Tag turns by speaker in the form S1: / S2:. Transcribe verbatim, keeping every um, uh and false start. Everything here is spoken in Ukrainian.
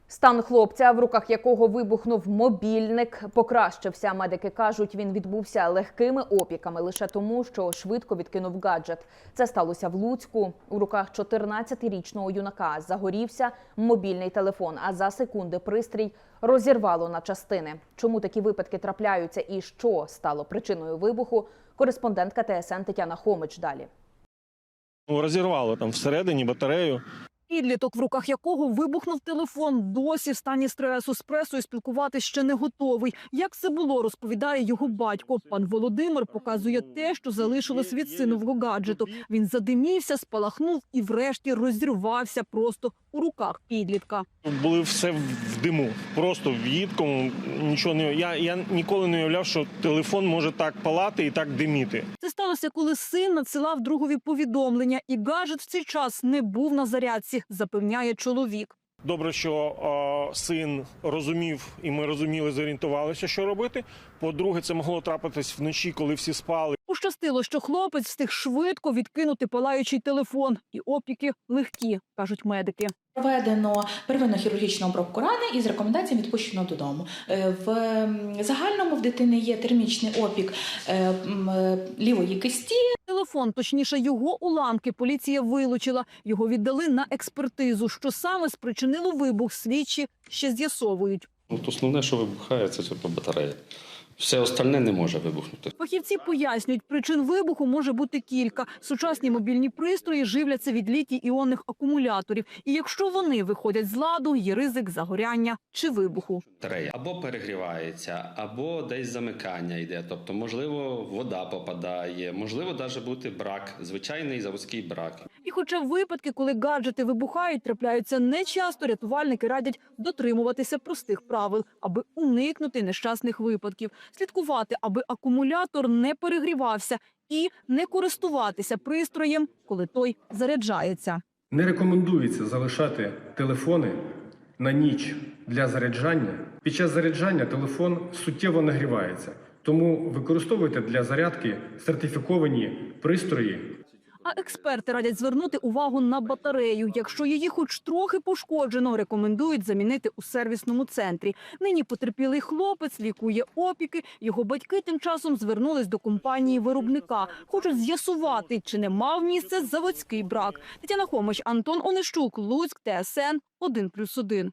S1: Стан хлопця, в руках якого вибухнув мобільник, покращився. Медики кажуть, він відбувся легкими опіками лише тому, що швидко відкинув гаджет. Це сталося в Луцьку. У руках чотирнадцятирічного юнака загорівся мобільний телефон, а за секунди пристрій розірвало на частини. Чому такі випадки трапляються і що стало причиною вибуху? Кореспондентка Т С Н Тетяна Хомич далі.
S2: Розірвало там всередині батарею.
S3: Підліток, в руках якого вибухнув телефон, досі в стані стресу, з пресою спілкуватись ще не готовий. Як це було, розповідає його батько. Пан Володимир показує те, що залишилось від синового гаджету. Він задимівся, спалахнув і врешті розірвався просто у руках підлітка.
S2: Були все в диму, просто в їдкому, нічого не... Я, я ніколи не уявляв, що телефон може так палати і так диміти.
S3: Це сталося, коли син надсилав другові повідомлення, і гаджет в цей час не був на зарядці, запевняє чоловік.
S2: Добре, що о, син розумів, і ми розуміли, зорієнтувалися, що робити. По-друге, це могло трапитись вночі, коли всі спали.
S3: Пощастило, що хлопець встиг швидко відкинути палаючий телефон. І опіки легкі, кажуть медики.
S4: Проведено первинну хірургічну обробку рани і з рекомендаціями відпущено додому. В загальному в дитини є термічний опік лівої кисті.
S3: Телефон, точніше його уламки, поліція вилучила. Його віддали на експертизу. Що саме спричинило вибух, слідчі ще з'ясовують.
S5: От основне, що вибухає, це типу батарея. Все остальне не може вибухнути.
S3: Фахівці пояснюють, причин вибуху може бути кілька. Сучасні мобільні пристрої живляться від літій-іонних акумуляторів. І якщо вони виходять з ладу, є ризик загоряння чи вибуху.
S5: Батарея або перегрівається, або десь замикання йде. Тобто, можливо, вода попадає, можливо, навіть бути брак, звичайний заводський брак.
S3: І хоча випадки, коли гаджети вибухають, трапляються нечасто, рятувальники радять дотримуватися простих правил, аби уникнути нещасних випадків. Слідкувати, аби акумулятор не перегрівався, і не користуватися пристроєм, коли той заряджається.
S6: Не рекомендується залишати телефони на ніч для заряджання. Під час заряджання телефон суттєво нагрівається, тому використовуйте для зарядки сертифіковані пристрої.
S3: А експерти радять звернути увагу на батарею. Якщо її хоч трохи пошкоджено, рекомендують замінити у сервісному центрі. Нині потерпілий хлопець лікує опіки. Його батьки тим часом звернулись до компанії-виробника. Хочуть з'ясувати, чи не мав місце заводський брак. Тетяна Хомич, Антон Онищук, Луцьк, Т С Н один плюс один.